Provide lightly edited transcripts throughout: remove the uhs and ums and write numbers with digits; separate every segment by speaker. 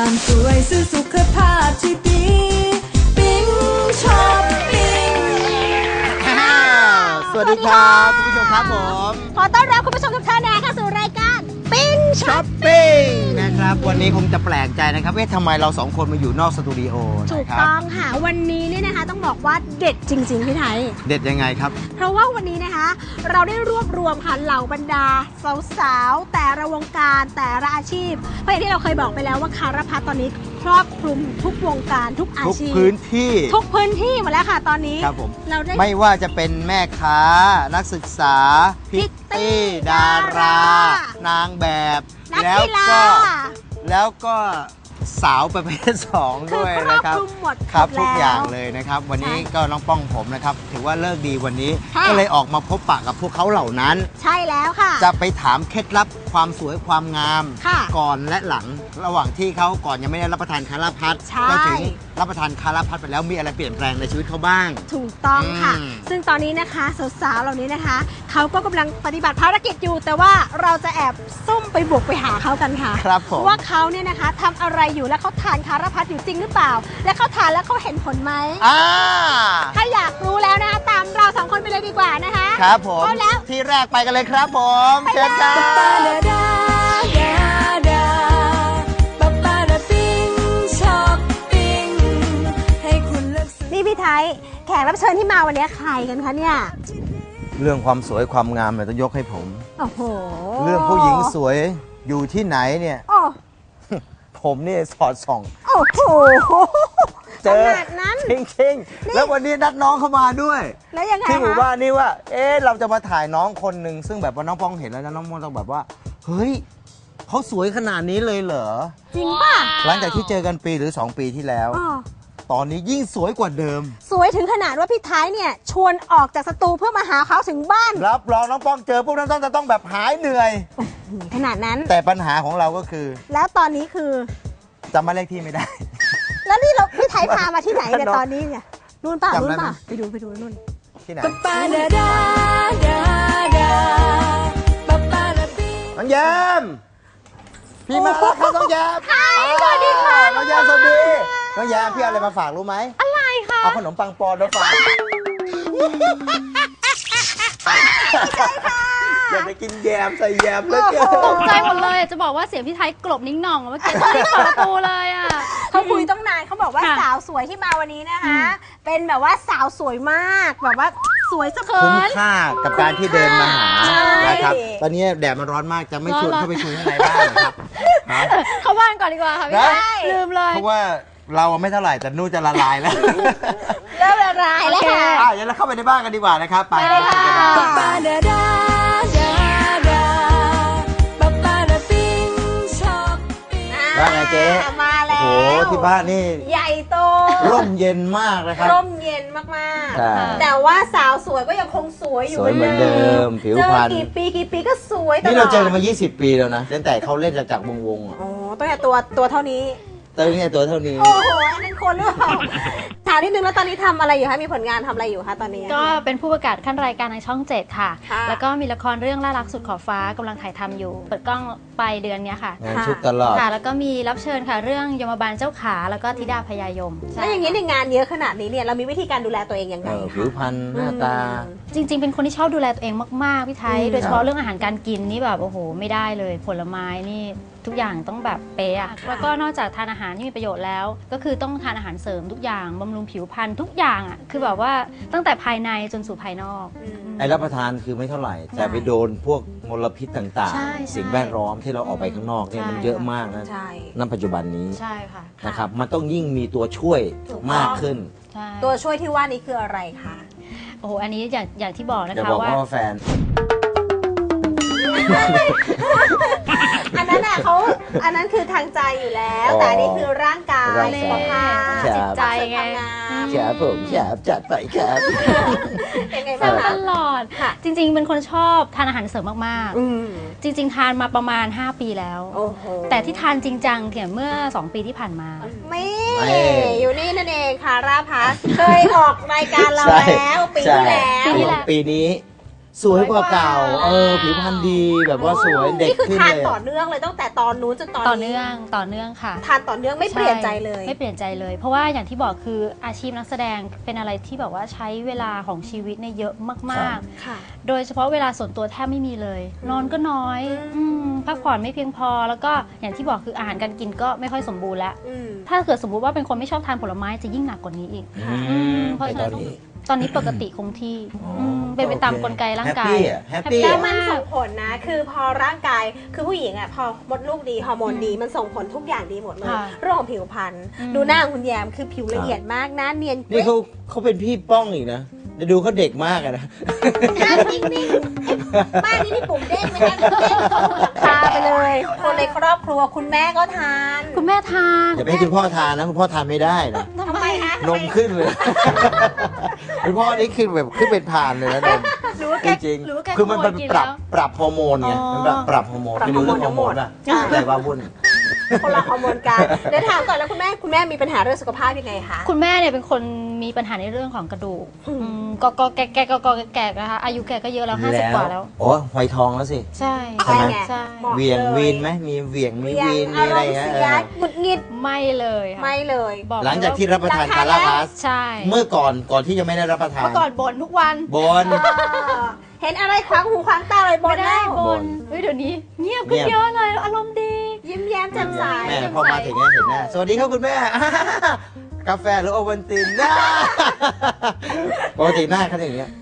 Speaker 1: ความสวยซื้อสุขภาพที่ดีปิ๊งช็อปปิ้ง
Speaker 2: สวัสดีครับคุณผู้ชมครับผม
Speaker 3: ขอต้อนรับคุณผู้ชมทุกท่านนะคะสู่รายการปิ๊ง
Speaker 2: ช็อปปิ้งนะครับวันนี้คงจะแปลกใจนะครับทำไมเราสองคนมาอยู่นอกสตูดิโอ
Speaker 3: ถูกต้องค่ะวันนี้เนี่ยนะคะต้องบอกว่าเด็ดจริงๆพี่ไทย
Speaker 2: เด็ดยังไงครับ
Speaker 3: เพราะว่าวันนี้นะคะเราได้รวบรวมค่ะเหล่าบรรดาสาวๆแต่ละวงการแต่ละอาชีพเพราะอย่างที่เราเคยบอกไปแล้วว่าคารพัฒน์ตอนนี้ครอบคลุมทุกวงการทุกอาชีพ
Speaker 2: ทุกพื้นที่
Speaker 3: หมดแล้วค่ะตอนนี้
Speaker 2: ครับผมเราได้ไม่ว่าจะเป็นแม่ค้านักศึกษาพิตตี้ดารานางแบบแล้วก็สาวประเภท2ด้วยนะครับครับทุกอย่างเลยนะครับวันนี้ก็น้องป้องผมนะครับถือว่าเลิกดีวันนี้ก็เลยออกมาพบปะกับพวกเขาเหล่านั้น
Speaker 3: ใช่แล้วค่ะ
Speaker 2: จะไปถามเคล็ดลับความสวยความงามก่อนและหลังระหว่างที่เขาก่อนยังไม่ได้รับประทานคาราพัดก็ถึงรับประทานคาราพัดไปแล้วมีอะไรเปลี่ยนแปลงในชีวิตเขาบ้าง
Speaker 3: ถูกต้องค่ะซึ่งตอนนี้นะคะสาวๆเหล่านี้นะคะเขาก็กำลังปฏิบัติภารกิจอยู่แต่ว่าเราจะแอบซุ่มไปบุกไปหาเขากันค่ะ
Speaker 2: ครับผม
Speaker 3: ว่าเขาเนี่ยนะคะทำอะไรอยู่และเขาทานคาราพัดอยู่จริงหรือเปล่าและเขาทานแล้วเขาเห็นผลไหมถ้าอยากรู้แล้วนะคะตามเรา2คนไปเลยดีกว่านะคะ
Speaker 2: ครับผมแล้วที่แรกไปกันเลยครับผมเชิญครับ
Speaker 3: นี่พี่ไทยแขกรับเชิญที่มาวันนี้ใครกันคะเนี่ย
Speaker 2: เรื่องความสวยความงามเนี่ยต้องยกให้ผม
Speaker 3: โอ้โห
Speaker 2: เรื่องผู้หญิงสวยอยู่ที่ไหนเนี่ยผมนี่สอดส่อง
Speaker 3: โอ้โห
Speaker 2: เจอขนาดนั้นจริงๆแล้ววันนี้นัดน้องเข้ามาด้วย
Speaker 3: แล้วยังไง
Speaker 2: ที่หมู่บ้านนี่ว่าเราจะมาถ่ายน้องคนหนึ่งซึ่งแบบว่าน้องป้องเห็นแล้วนะน้องป้องต้องแบบว่าเฮ้ยเขาสวยขนาดนี้เลยเหรอ
Speaker 3: จริงป่ะ
Speaker 2: หลังจากที่เจอกันปีหรือ2ปีที่แล้วตอนนี้ยิ่งสวยกว่าเดิม
Speaker 3: สวยถึงขนาดว่าพี่ไทยเนี่ยชวนออกจากสตูเพื่อมาหาเขาถึงบ้าน
Speaker 2: รับรองน้องป้องเจอพวกนั้นต้องแบบหายเหนื่อย
Speaker 3: ขนาดนั้น
Speaker 2: แต่ปัญหาของเราก็คือ
Speaker 3: แล้วตอนนี้คือ
Speaker 2: จำมาเลขที่ไม่ได้
Speaker 3: แล้วนี่เราพี่ไทยพามาที่ไหนเนี่ยตอนนี้เนี่ยนู่นป่ะไปดูนู่น
Speaker 2: ที่ไหนน้องแยมพี่มาแล้วครับน้องแยม
Speaker 3: สวัสดีค่ะ
Speaker 2: น้องแยมสวัสดีน้องแยมพี่อะไรมาฝากรู้ไหม
Speaker 3: อะไรคะ
Speaker 2: เอาขนมปังปอนมาฝากอย่าไปกินแยมใส่แยมเลย
Speaker 4: ตกใจหมดเลยจะบอกว่าเสียงพี่ไทยกลบนิ้งหน่องเมื่อกี้ที่เปิดประตูเลยอ่ะ
Speaker 3: เขาคุยต้องนานเขาบอกว่าสาวสวยที่มาวันนี้นะคะเป็นแบบว่าสาวสวยมากแบบว่าสวยสะเกิน
Speaker 2: คุ้มค่ากับการที่เดินมาหานะครับตอนนี้แดดมันร้อนมากจะไม่ชวนเข้าไปคุยข้างในบ้านครับ
Speaker 4: เข้าบ้านก่อนดีกว่าค่ะพี่ไทยลืมเลย
Speaker 2: เพราะว่าเราไม่เท่าไหร่แต่นู่นจะละลายแล้ว
Speaker 3: เริ่มละลายแล้วค่ะ
Speaker 2: เดี๋ยวเราเข้าไปในบ้านกันดีกว่านะครับไปบ้านไงเจ๊
Speaker 3: มาแล้ว
Speaker 2: โอ้โหที่บ้านนี่
Speaker 3: ใหญ่โต
Speaker 2: ร่มเย็นมากนะครับ
Speaker 3: ร่มเย็นมากๆแต่ว่าสาวสวยก็ยังคงสวยอยู่
Speaker 2: เหมือนเดิมผิวพรรณ
Speaker 3: กี่ปีก็สวยตลอด
Speaker 2: นี่เราเจอกันมา20 ปีแล้วนะตั้งแต่เขาเล่นจากวง
Speaker 3: อ๋อตั้งแต่ตัวเท่านี้
Speaker 2: ตัวเท่านี้
Speaker 3: โอ้โหอันนั้นคนหรือเปล่าถามนิดนึงแล้วตอนนี้ทำอะไรอยู่คะมีผลงานทำอะไรอยู่คะตอนนี้
Speaker 4: ก็เป็นผู้ประกาศขั้นรายการในช่อง7ค่ะแล้วก็มีละครเรื่องล่ารักสุดขอบฟ้ากำลังถ่ายทำอยู่เปิดกล้องปลายเดือนนี้ค่ะ
Speaker 2: ชุดตลอด
Speaker 4: ค่ะแล้วก็มีรับเชิญค่ะเรื่องยมบาลเจ้าขาแล้วก็ธิดาพญายม
Speaker 3: แล้วอย่างนี้ในงานเยอะขนาดนี้เนี่ยเรามีวิธีการดูแลตัวเองยังไง
Speaker 2: ผิวพรรณหน้าตา
Speaker 4: จริงๆเป็นคนที่ชอบดูแลตัวเองมากๆพี่ไทยโดยเฉพาะเรื่องอาหารการกินนี่แบบโอ้โหไม่ได้เลยผลไม้นี่ทุกอย่างต้องแบบเป๊ะแล้วก็นอกจากทานอาหารที่มีประโยชน์แล้วก็คือต้องทานอาหารเสริมทุกอย่างบำรุงผิวพรรณทุกอย่างอ่ะคือแบบว่าตั้งแต่ภายในจนสู่ภายนอก
Speaker 2: รับประทานคือไม่เท่าไหร่แต่ไปโดนพวกมลพิษต่างๆสิ่งแวดล้อมที่เราออกไปข้างนอกเนี่ยมันเยอะมากนะณปัจจุบันนี้
Speaker 4: ใช่ค่ะ
Speaker 2: นะครับมันต้องยิ่งมีตัวช่วยมากขึ้น
Speaker 3: ตัวช่วยที่ว่านี้คืออะไรคะ
Speaker 4: โอ้โหอันนี้อย่างที่บอกนะคะ
Speaker 2: ว่าแฟน
Speaker 3: อันนั้นอันนั้นคือทางใจอยู่แล้วแต่อันนี้คือร่างกายสุขภาพ
Speaker 4: จิตใจไง
Speaker 2: แฉผมแฉจัดไปครับ
Speaker 4: ยังไงบ้างตลอดจริงๆเป็นคนชอบทานอาหารเสริมมากๆจริงๆทานมาประมาณ5 ปีแล้วแต่ที่ทานจริงจังเมื่อ2 ปีที่ผ่านมา
Speaker 3: ไม่อยู่นี่นั่นเองค่ะราพัสเคยออกรายการเราแล้วปีที่แล้ว
Speaker 2: ปีนี้สวยกว่าเก่าผิวพรรณดีแบบว่าสวยเด็ก
Speaker 3: นี่คือ
Speaker 2: ขึ้น
Speaker 3: ทาน
Speaker 2: เลย
Speaker 3: ต่อเนื่องเลยตั้งแต่ตอนนู้นจนตอนนี้
Speaker 4: ต่อเนื่องค่ะ
Speaker 3: ทานต่อเนื่องไม่เปลี่ยนใจเลย
Speaker 4: ไม่เปลี่ยนใจเลย เพราะว่าอย่างที่บอกคืออาชีพนักแสดงเป็นอะไรที่แบบว่าใช้เวลาของชีวิตเนี่ยเยอะมาก
Speaker 3: ค่ะ
Speaker 4: ๆ โดยเฉพาะเวลาส่วนตัวแทบไม่มีเลย นอนก็น้อยพักผ่อนไม่เพียงพอแล้วก็อย่างที่บอกคืออาหารการกินก็ไม่ค่อยสมบูรณ์แล้ว ถ้าเกิดสมมุติว่าเป็นคนไม่ชอบทานผลไม้จะยิ่งหนักกว่านี้อีกเพราะฉะนั้นตอนนี้ปกติคงที่เป็นไปตามกลไกร่างกาย
Speaker 2: แฮปปี้
Speaker 3: แล้วมันส่งผลนะ คือพอร่างกายคือผู้หญิงอ่ะพอมดลูกดีฮอร์โมนดีมันส่งผลทุกอย่างดีหมดเลย
Speaker 4: ค่ะ
Speaker 3: เรื่องของผิวพรรณดูหน้าของคุณแยมคือผิวละเอียดมากหน้าเนียน
Speaker 2: นี่เขาเป็นพี่ป้องอีกนะจะดูเขาเด็กมากอะนะ
Speaker 3: หน้านิ่งๆบ้านนี้มีปุ่มเด้งไหมคะเด้งเขาหลังคาไปเลยคนในครอบครัวคุณแม่ก็ทาน
Speaker 4: คุณแม่ทาน
Speaker 2: อย่าไปให้คุณพ่อทานนะคุณพ่อทานไม่ได้นะ
Speaker 3: ทำไมคะ
Speaker 2: นมขึ้นเลย คุณพ่อนี่ขึ้นแบบขึ้นเป็นพานเลยนะนม
Speaker 4: หรือว่า
Speaker 2: จ
Speaker 4: แก
Speaker 2: ริง
Speaker 4: หรือว่าแก
Speaker 2: ๆคือมัน
Speaker 4: ขโกิ
Speaker 2: ปรับฮอร์โมนไง
Speaker 4: อ๋อ
Speaker 2: มันปรับฮอร์โมนไม่รู้เรื่องฮอร์โมนป่ะแต่ว่าวุ่น
Speaker 3: คนละฮอร์โมนกันเดี๋ยวถามก่อนแล้วคุณแม่มีปัญหาเรื่องสุขภาพยังไงคะ
Speaker 4: คุณแม่เนี่ยเป็นคนมีปัญหาในเรื่องของกระดูกก็แก่นะคะอายุแกก็เยอะแล้ว50 กว่าแล้ว
Speaker 2: โอ้หอยทองแล้วสิ
Speaker 4: ใช่
Speaker 2: ใช่ไหม
Speaker 4: ใช่
Speaker 3: บอก
Speaker 2: เวียง
Speaker 3: เลย
Speaker 2: วีนไหมมีเวียงมี
Speaker 3: เวีย
Speaker 2: วี
Speaker 3: ง
Speaker 2: น
Speaker 3: อา
Speaker 2: มี
Speaker 3: ร
Speaker 2: อะไร
Speaker 3: มณ์
Speaker 2: เงี้ย
Speaker 3: เสียหงุดหงิด
Speaker 4: ไม่เลยค่ะ
Speaker 3: ไม่เลย
Speaker 4: บอก
Speaker 2: หลังจากที่รับประทาน
Speaker 3: ราคา
Speaker 2: คาราพาส
Speaker 4: ใช่
Speaker 2: เมื่อก่อนที่ยังไม่ได้รับประทาน
Speaker 4: เมื่อก่อนบ่นทุกวัน
Speaker 2: บน
Speaker 3: เห็นอะไรขวางหูขวางตาเลยบ
Speaker 4: ไม่
Speaker 3: น
Speaker 4: ได้
Speaker 3: แล้ว
Speaker 4: บ่นเฮ้ยเดี๋ยวนี้เงียบขึ้น
Speaker 2: เงียบ
Speaker 4: เยอะเลยอารมณ์ดี
Speaker 3: ยิ้มแย้มแจ่มใส
Speaker 2: แม่พอมาถึงเนี่ยเห็นหน้าสวัสดีครับคุณแม่ กาแฟหรือโอวัลตินนะปกติหน้าเขาอย่างเงี้ย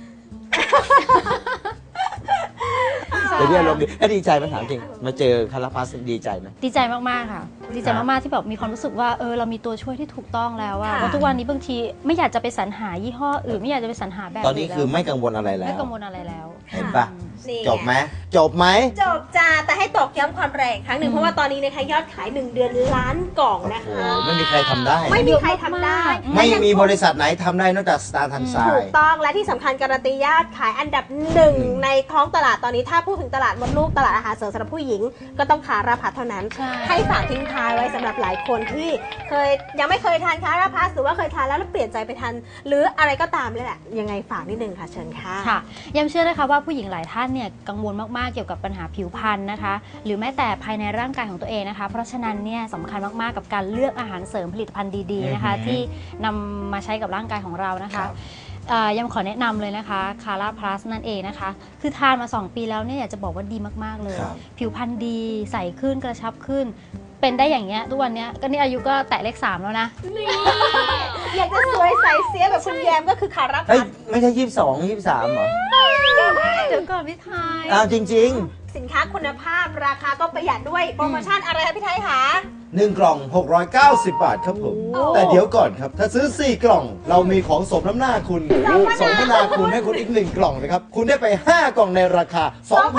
Speaker 2: แต่ที่อารมณ์ดีดีใจไหมถามจริงมาเจอคาราพาสดีใจไหม
Speaker 4: ดีใจมากๆค่ะ ดีใจมากๆที่แบบมีความรู้สึกว่าเรามีตัวช่วยที่ถูกต้องแล้วอะเพราะทุกวันนี้บางทีไม่อยากจะไปสรรหายี่ห้ออื่นไม่อยากจะไปสรรหาแบบ
Speaker 2: ตอนนี้คือ
Speaker 4: แล้ว
Speaker 2: ไม่กังวลอะไรแล้ว
Speaker 4: ไม่กังวลอะไรแล้ว
Speaker 2: เห็นปะ
Speaker 3: นี่
Speaker 2: จบไหมจบไหม
Speaker 3: จบจ้าแต่ให้ตอกย้ำความแรงอีกครั้งหนึ่งเพราะว่าตอนนี้นะคะยอดขาย 1 เดือนล้านกล่องนะ
Speaker 2: โอ้
Speaker 3: คะ
Speaker 2: โหไม่มีใครทำได้
Speaker 3: ไม่มีใครทำได้
Speaker 2: ไม่มีบริษัทไหนทำได้นอกจากสตาร์ทันไซ
Speaker 3: ถูกต้องและที่สำคัญการันตียอดขายอันดับหนึ่งในท้องตลาดตอนนี้ถ้าพูดถึงตลาดมดลูกตลาดอาหารเสริมสำหรับผู้หญิงก็ต้องคาราพัสเท่านั้น
Speaker 4: ใช่
Speaker 3: ให้ฝากทิ้งท้ายไว้สำหรับหลายคนที่ยังไม่เคยทานคาราพัสหรือว่าเคยทานแล้วเปลี่ยนใจไปทานหรืออะไรก็ตามเลยแหละยังไงฝากนิดนึงค่ะเชิญค่ะ
Speaker 4: ค่ะย้ำเชื่อนะคะว่าผู้หญิงหลายท่านเนี่ยกังวลมากๆเกี่ยวกับปัญหาผิวพรรณนะคะ หรือแม้แต่ภายในร่างกายของตัวเองนะคะ เพราะฉะนั้นเนี่ยสำคัญมากๆกับการเลือกอาหารเสริมผลิตภัณฑ์ดีๆนะคะ ที่นำมาใช้กับร่างกายของเรานะคะยังขอแนะนำเลยนะคะคาร่าพลัสนั่นเองนะคะ คือทานมา 2 ปีแล้วเนี่ยอยากจะบอกว่าดีมากๆเลย
Speaker 2: ครับ
Speaker 4: ผิวพรรณดีใสขึ้นกระชับขึ้น เป็นได้อย่างเงี้ยทุกวันเนี้ยก็นี่อายุก็แตะเลข 3 แล้วนะ
Speaker 3: อยากจะสวยใสเสียแบบคุณแยมก็คือคารา
Speaker 2: เฮ้ย
Speaker 3: พัส
Speaker 2: ไม่ใช่22 23เหรอ
Speaker 4: เดี๋ยวก่อนพี่ไทย
Speaker 2: อ้าวจริง
Speaker 3: สินค้าคุณภาพราคาก็ประหยัดด้วยโปรโมชั่นอะไรคะพี่ไทยคะ
Speaker 2: ๆ 1 กล่อง 690 บาทครับผม
Speaker 3: โอ้
Speaker 2: แต่เดี๋ยวก่อนครับ ถ้าซื้อ 4 กล่อง เรามีของสมน้ำหน้าคุณสมน้ำหน้าคุณให้คุณอีก 1 กล่องนะครับ คุณได้ไป 5 กล่องในราคา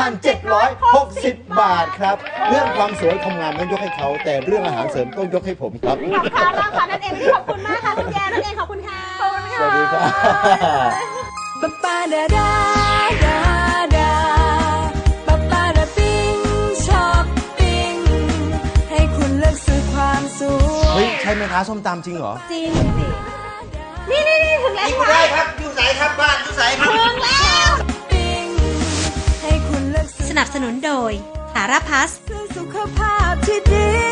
Speaker 2: 2,760 บาทครับ เรื่องความสวยความงามต้องยกให้เขา แต่เรื่องอาหารเสริมต้องยกให้ผมครับ
Speaker 3: กับคาราพัสนั่นเองวันนี้ขอบคุณมากค่ะคุณแยมนั่นเองขอบคุณค่ะขอบคุณ
Speaker 2: สวัสดีครับ
Speaker 1: ปะปาดาดาดาดาปะปาดาปิ้งช็อปปิ้งให้คุณเลือกซื้อความสวย
Speaker 2: เฮ้ย ใช่ไหมคะส้มตำจริงเหรอ
Speaker 3: จริงสินี่ถึงแล้ว
Speaker 2: กินได้ครับ อยู่ไหนครับบ้านอยู่ไหนครับ
Speaker 3: ถึงแล้ว
Speaker 1: ปิ้งให้คุณเลือกซื้อ
Speaker 3: สนับสนุนโดยคาราพัส
Speaker 1: เพื่อสุขภาพที่ดี